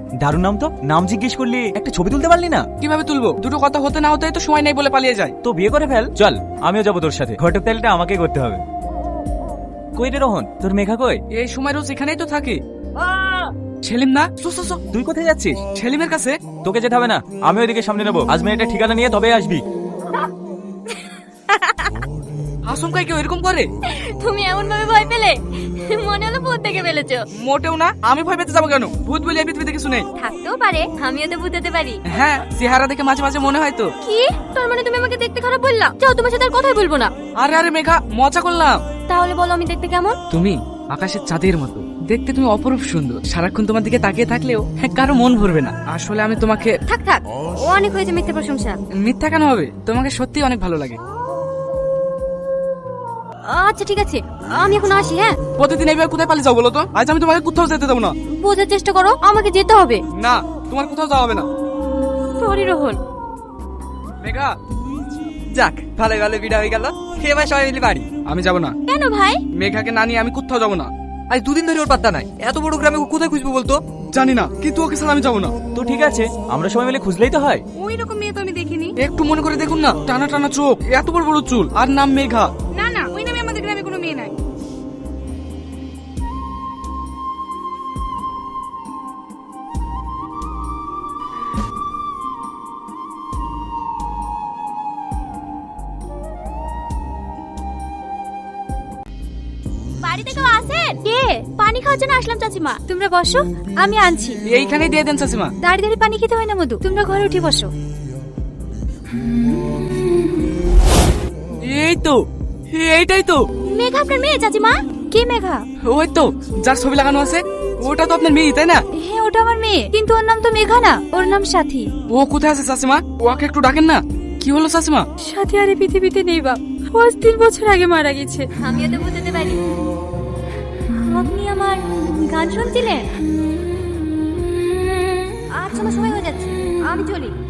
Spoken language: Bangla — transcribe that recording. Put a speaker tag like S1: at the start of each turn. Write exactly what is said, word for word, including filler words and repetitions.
S1: দারুণ নাম তো। নাম জিজ্ঞেস করলি, একটা ছবি তুলতে পারলি না?
S2: কিভাবে তুলবো? দুটো কথা হতে না হতে তো সময় নেই বলে পালিয়ে যায়।
S1: তো বিয়ে করে ফেল। চল আমিও যাবো তোর সাথে। ঘটক তালিটা আমাকে করতে হবে। কই রে রোহন, তোর মেঘা কই?
S2: এই সময় রোজ এখানেই তো থাকে। সেলিম না, সো সো সো।
S1: তুই কোথায় যাচ্ছিস?
S2: সেলিমের কাছে।
S1: তোকে যেতে হবে না, আমি ওইদিকে সামনে নেবো। আজ মেয়েটা ঠিকানা নিয়ে তবে আসবি।
S2: আসমকাই কেউ এরকম করে?
S3: তুমি এমন ভাবে ভয় পেলে, মনে হলো ভূত দেখে ফেলেছো।
S2: মোটেও না, আমি ভয় পেতে যাবো কেন? ভূত বলে এই পৃথিবীতে কিছু নেই।
S3: থাকতেও পারে, আমিও তো ভূত হতে পারি।
S2: হ্যাঁ, চেহারা দেখে মাঝে মাঝে মনে হয় তো।
S3: কি? তার মানে তুমি আমাকে দেখতে খারাপ বললা? যাও, তোমার সাথে আর কথাই বলবো না।
S2: আরে আরে মেঘা, মজা করলাম।
S3: তাহলে বলো আমি দেখতে কেমন?
S2: তুমি আকাশের চাঁদের মতো দেখতে, তুমি অপরূপ সুন্দর। সারাক্ষণ তোমার দিকে তাকিয়ে থাকলেও হ্যাঁ, কারো মন ভরবে না। আসলে আমি তোমাকে।
S3: থাক থাক, ও অনেক হয়েছে মিথ্যে প্রশংসা।
S2: মিথ্যা কেন হবে? তোমাকে সত্যি অনেক ভালো লাগে।
S3: আচ্ছা ঠিক আছে, আমি এখন আসি। হ্যাঁ,
S2: প্রতিদিন এইভাবে কোথায় পালিয়ে যাও বলো তো? আজ আমি তোমাকে কোথাও যেতে দেবো না।
S3: বোঝার চেষ্টা করো, আমাকে যেতে হবে।
S2: না, তোমার কোথাও যাওয়া হবে না।
S3: সরি রোহন।
S2: মেঘা,
S4: যাক, ভালো ভালো বিড়া হয়ে গেল। এবার সবাই মিলে বাড়ি।
S2: আমি যাব না।
S3: কেন ভাই?
S2: মেঘাকে না নিয়ে আমি কোথাও যাব না।
S4: আজ দুদিন ধরে ওর পাত্তা নাই। এত বড় গ্রামে ও কোথায় খুঁজবো বলতো?
S2: জানি না, কিন্তু ওকে ছাড়া আমি যাব না।
S1: তো ঠিক আছে, আমরা সবাই মিলে খুঁজলেই তো হয়।
S3: ওই রকম মেয়ে তো আমি দেখিনি।
S2: একটু মনে করে দেখুন না, টানা টানা চোখ, এত বড় বড় চুল, আর নাম মেঘা।
S3: না না, ওই নামে আমাদের গ্রামে কোনো মেয়ে নাই। বাড়িতে কেউ আছেন? কে? পানি খাওয়ার জন্য আসলাম চাচিমা। তোমরা বসো, আমি আনছি।
S2: এইখানেই দিয়ে দেন চাচিমা।
S3: দাঁড়িয়ে দাঁড়িয়ে পানি খেতে হয় না মধু, তোমরা ঘরে উঠে বসো।
S2: এই তো, এইটাই তো।
S3: মেঘা আপনার মেয়ে চাচিমা? কে মেঘা?
S2: ওই তো, যার ছবি লাগানো আছে, ওটা তো আপনার মেয়ে, তাই না?
S3: হ্যাঁ, ওটা আমার মেয়ে, কিন্তু ওর নাম তো মেঘা না, ওর নাম সাথী।
S2: ও কোথায় আছে চাচিমা? ওকে একটু ডাকেন না। কি হলো চাচিমা?
S3: সাথী আর এই পৃথিবীতে নেই বাপ, ও আজ তিন বছর আগে মারা গেছে। আমিও তো বুঝতে পারি। আপনি আমার গান শুনছিলেন? আচ্ছা, আমার সময় হয়ে যাচ্ছে, আমি চলি।